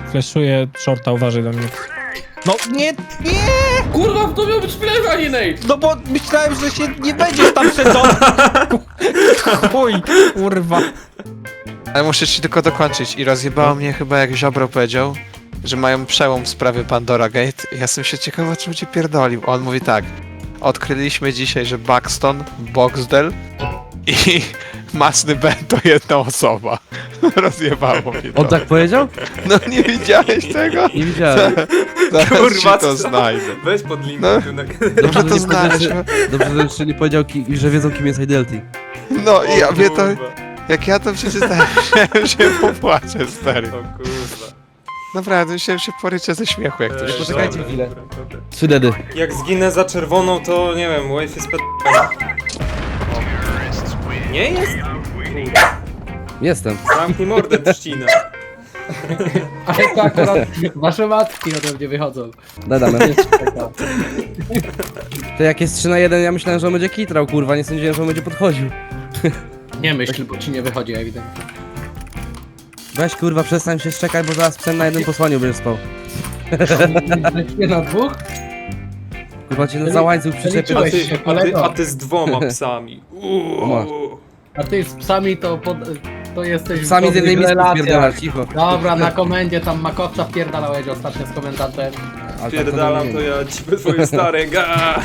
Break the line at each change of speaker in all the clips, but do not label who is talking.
Fleszuję shorta, uważaj do mnie. No nie!
Kurwa, to miał być flash, a nie nade!
No bo myślałem, że się nie będziesz tam przedostał. Chuj, kurwa.
Ale muszę ci tylko dokończyć i rozjebało mnie chyba jak Ziobro powiedział, że mają przełom w sprawie Pandora Gate. Ja jestem się ciekaw, o czym ci pierdolił. On mówi tak. Odkryliśmy dzisiaj, że Buxton, Boxdel i Masny Ben to jedna osoba. Rozjebało mnie to.
On tak powiedział?
No nie widziałeś tego?
Nie widziałem.
Zaraz
Kurwa,
ci to
co?
znajdę.
Weź pod link.
No. Dobrze to
nie
znaleźć.
powiedział, dobrze, że jeszcze nie powiedział, że wiedzą, kim jest Idelty.
No i ja mnie to... Jak ja to przeczytałem, myślałem, że popłaczę, stary.
O kurwa.
Naprawdę, myślałem, że się poryczę ze śmiechu, jak to się
poczekajcie
stało.
chwilę. 3 dedy.
Jak zginę za czerwoną, to nie wiem, wave jest ped... Nie jest?
Jestem.
Zamknij mordę, trzcina.
Ale to akurat wasze matki ode mnie wychodzą.
Dodamy.
Jeszcze taka.
To jak jest 3 na 1, ja myślałem, że on będzie kitrał, kurwa, nie sądziłem, że on będzie podchodził.
Nie myśl, bo ci nie wychodzi ewidentnie.
Weź, kurwa, przestań się szczekać, bo zaraz psem na jednym posłaniu będziesz spał.
Nie na dwóch?
Kurwa, cię za łańcuch przyczepię.
liczyłeś.
Ty,
się,
a, ty,
kolego.
a ty z 2 psami.
Masz.
A ty z psami to jesteś
Sami z jednej
dobrych
miski
relacjach.
spierdalasz, cicho.
Dobra, na komendzie tam Makowca wpierdalałeś ostatnio z komentarzem.
Ale
Pierdalam
tak
to ja ci twoje stare ga.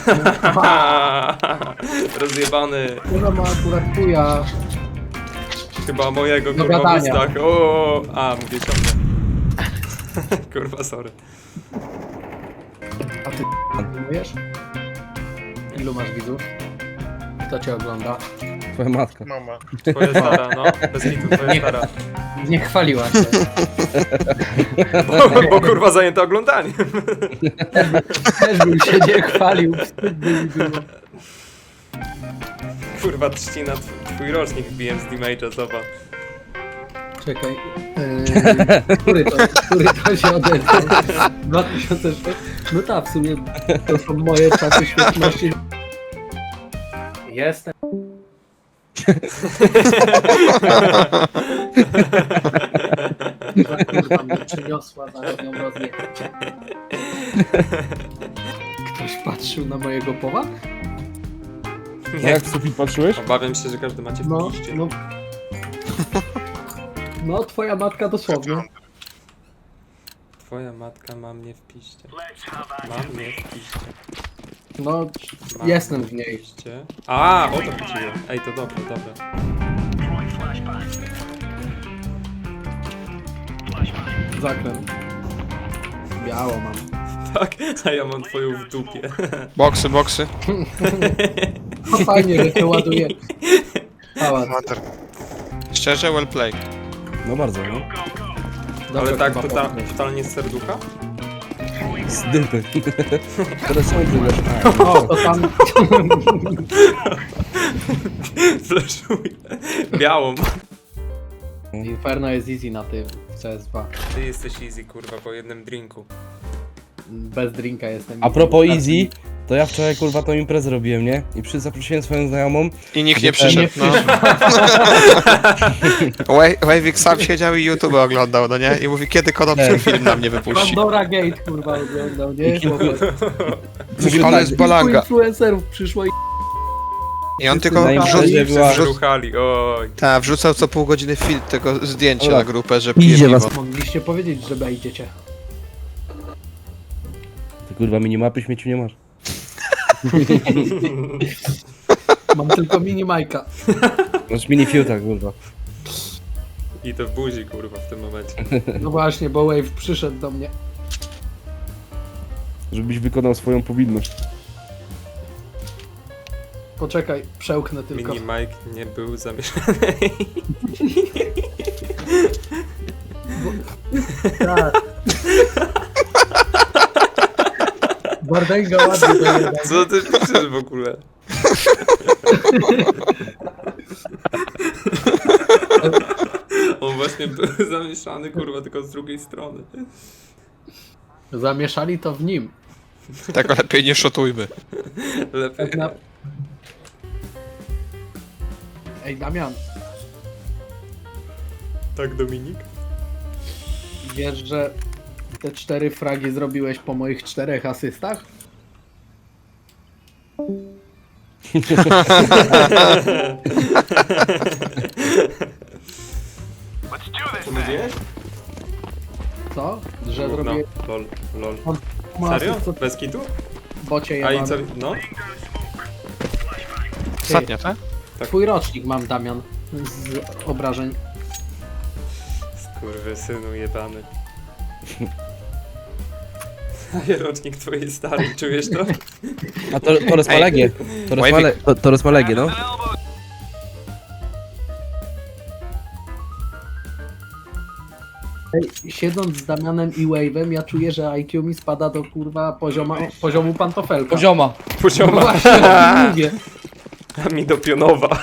Rozjebany.
Kurwa ma akurat chuja.
Chyba mojego
Do
kurwa w
gadania.
ustach. O, a mówię ciągle. Kurwa, sorry.
A ty wiesz? Ilu masz widzów? Kto cię ogląda?
Twoja matka.
Twoja stara, no. Bez hitu, twoja stara.
Nie chwaliła się.
Bo kurwa zajęta oglądaniem.
Też bym się nie chwalił. Wstyd by mi było.
Kurwa, trzcina, twój rocznik wbiłem z damage'a, zobacz.
Czekaj. Który to się odezwał? 2006? No tak, w sumie to są moje czasy świetności. Jestem. Kurwa mnie przyniosła, zaraz ją rozjechać. Ktoś patrzył na mojego powa?
Nie,
Jak w sufit patrzyłeś?
obawiam się, że każdy macie w
No,
piście.
no. No, twoja matka dosłownie.
Twoja matka ma mnie w piście. Ma mnie w piście.
No,
Ma
jestem
mnie
w niej.
piście. A, o to chodziło. Ej, to dobre, dobre.
Zakręt. Biało mam.
Tak, a ja mam twoją w dupie.
Boksy, boksy.
No fajnie, że to ładuje. Pałac.
Mater. Szczerze, well play.
No bardzo, no.
Ale
Dobrze,
tak
chyba popchnąć.
totalnie z serducha?
Z dypy. Teraz są wyglądasz.
O, to tam...
Flashuję. Białą.
Inferno jest easy na tym w CS2.
Ty jesteś easy, kurwa, po jednym drinku.
Bez drinka jestem.
A propos Easy, to ja wczoraj, kurwa, tą imprezę robiłem, nie? I zaprosiłem swoją znajomą.
I nikt nie
Nie
przyszedł, no. Wavik sam siedział i YouTube oglądał, no nie? I mówi, kiedy konopny film na mnie wypuści.
Pandora Gate, kurwa, oglądał, nie?
Mówi, ale jest balanga.
Influencerów przyszło i...
I on
Na
tylko
imprezie była-
Ruchali, oj.
wrzucał co pół godziny film tego zdjęcia
Dobra.
na grupę, że
Idzie
pije
was.
piwo.
Mogliście powiedzieć, że wejdziecie.
Ty, kurwa, minimapy śmieci nie masz.
Mam tylko mini Majka.
Masz mini fiuta, kurwa.
I to w buzi, kurwa, w tym momencie.
No właśnie, bo Wave przyszedł do mnie.
Żebyś wykonał swoją powinność.
Poczekaj, przełknę tylko.
Mini Mike nie był zamieszany.
Tak. Bardęga ładnie dojada.
Co ty piszesz w ogóle? On właśnie był zamieszany, kurwa, tylko z drugiej strony.
Zamieszali to w nim.
Tego lepiej nie szotujmy.
Lepiej.
Tak na... Ej, Damian,
Tak, Dominik?
wiesz, że te 4 fragi zrobiłeś po moich 4 asystach?
Co mówiłeś?
Co? Że
No,
zrobiłeś
lol.
masy,
Serio?
co
Bez kitu?
bocie
A i
jebany.
co? No?
Ostatnio, tak?
Twój rocznik mam, Damian, z obrażeń.
Skurwysynu jebany. Daję rocznik twojej starej, czujesz to?
A Torres ma
Ej.
legię. Torres ma legię, no.
Siedząc z Damianem i Wave'em, ja czuję, że IQ mi spada do kurwa poziomu pantofelka.
Pozioma.
No
Pozioma,
właśnie, o tym mówię.
a mi do pionowa.